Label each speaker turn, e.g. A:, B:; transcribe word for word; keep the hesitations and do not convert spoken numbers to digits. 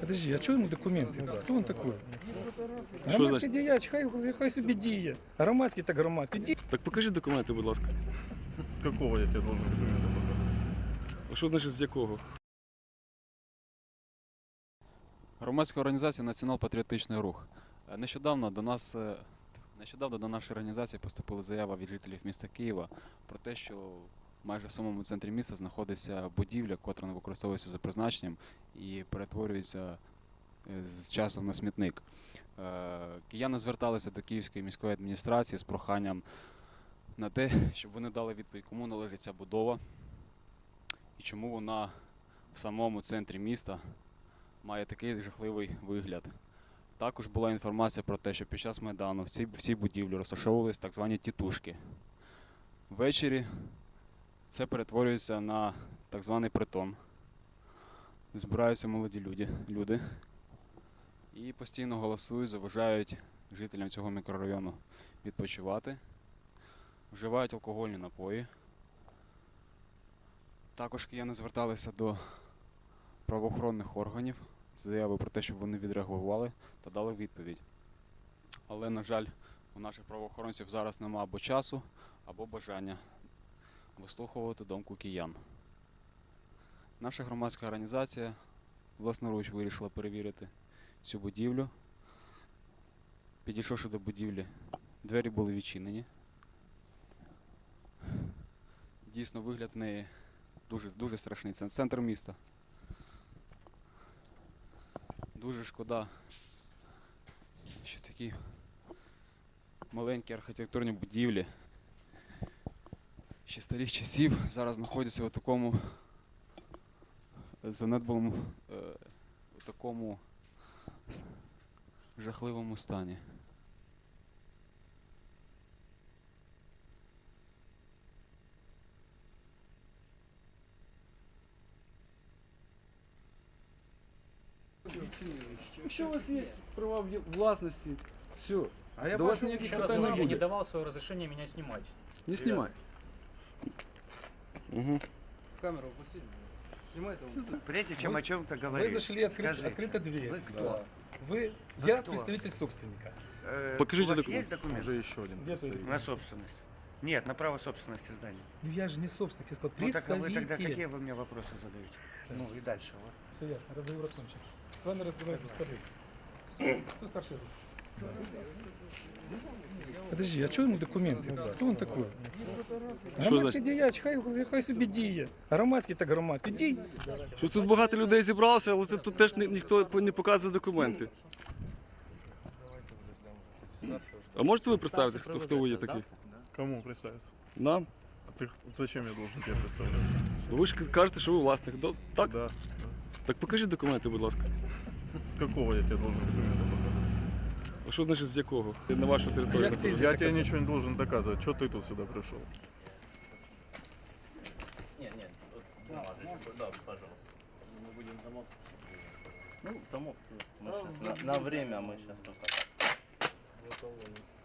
A: Подожди, а чого йому документи? Хто він такий? Громадський діяч, хай, хай собі діє. Громадський так громадський. Ді...
B: Так покажи документи, будь ласка.
C: З якого я тебе должен документи показати?
B: А що значить з якого?
D: Громадська організація «Націонал-патріотичний рух». Нещодавно до нас, нещодавно до нашої організації поступила заява від жителів міста Києва про те, що майже в самому центрі міста знаходиться будівля, котра не використовується за призначенням і перетворюється з часом на смітник. Кияни зверталися до Київської міської адміністрації з проханням на те, щоб вони дали відповідь, кому належить ця будова і чому вона в самому центрі міста має такий жахливий вигляд. Також була інформація про те, що під час Майдану в цій, в цій будівлі розташовувалися так звані тітушки. Ввечері це перетворюється на так званий притон. Збираються молоді люди, люди і постійно голосують, заважають жителям цього мікрорайону відпочивати, вживають алкогольні напої. Також кияни зверталися до правоохоронних органів з заявою про те, щоб вони відреагували та дали відповідь. Але, на жаль, у наших правоохоронців зараз немає або часу, або бажання вислуховувати думку киян. Наша громадська організація власноруч вирішила перевірити цю будівлю. Підійшовши до будівлі, двері були відчинені. Дійсно, вигляд в неї дуже, дуже страшний. Це центр міста. Дуже шкода, що такі маленькі архітектурні будівлі ще старих часів зараз знаходяться у такому занедбаному, у такому жахливому стані.
E: Якщо у вас є права власності, все.
A: А я
E: до вас
A: бачу,
E: ніяких
F: Еще раз
E: питань не
F: говорю, я не
E: буде.
F: давал свое разрешение меня снимать.
E: Не знімай.
B: Угу.
G: Камеру опустите, снимайте его.
H: Прежде чем
A: Вы-
H: о чем-то
A: Вы
H: говорить,
A: зашли, открыт,
H: скажите,
A: открыта дверь.
H: вы кто?
A: Вы,
H: Вы
A: я
H: кто?
A: представитель собственника.
H: Э,
B: Покажите
H: у вас
B: документ.
H: есть документ
C: Уже еще один.
A: Где ты?
H: на собственность? Нет, на право собственности здания.
A: Ну я же не собственник, я сказал
H: Ну так а вы
A: представитель.
H: тогда какие вы мне вопросы задаете?
A: Так.
H: Ну и дальше. Вот.
A: Все ясно, разговор окончен. С вами разговаривать бесполезно. Кто старший? Подожди, а чого йому документи? Хто він такий? Громадський
B: значить?
A: діяч, хай, хай собі діє. Громадський так громадський. Дій.
B: Що тут багато людей зібралося, але тут теж ні- ніхто не показує документи. А можете ви представити, хто, хто ви є такі?
C: Кому представиться?
B: Нам?
C: А ты зачем я должен тебе представляться?
B: Ви ж кажете, що ви власник. До- Так?
C: Да.
B: Так покажіть документи, будь ласка.
C: С какого я тебе должен документы показать?
B: А що значить з якого? На вашу територію.
A: Як ти
B: знаходиться.
C: Я тебе ничего не должен доказывать. Что ты тут сюда пришел?
I: Нет, нет, вот, да, да, пожалуйста. Мы будем замок. Ну, замок, мы сейчас на, на время мы сейчас только так.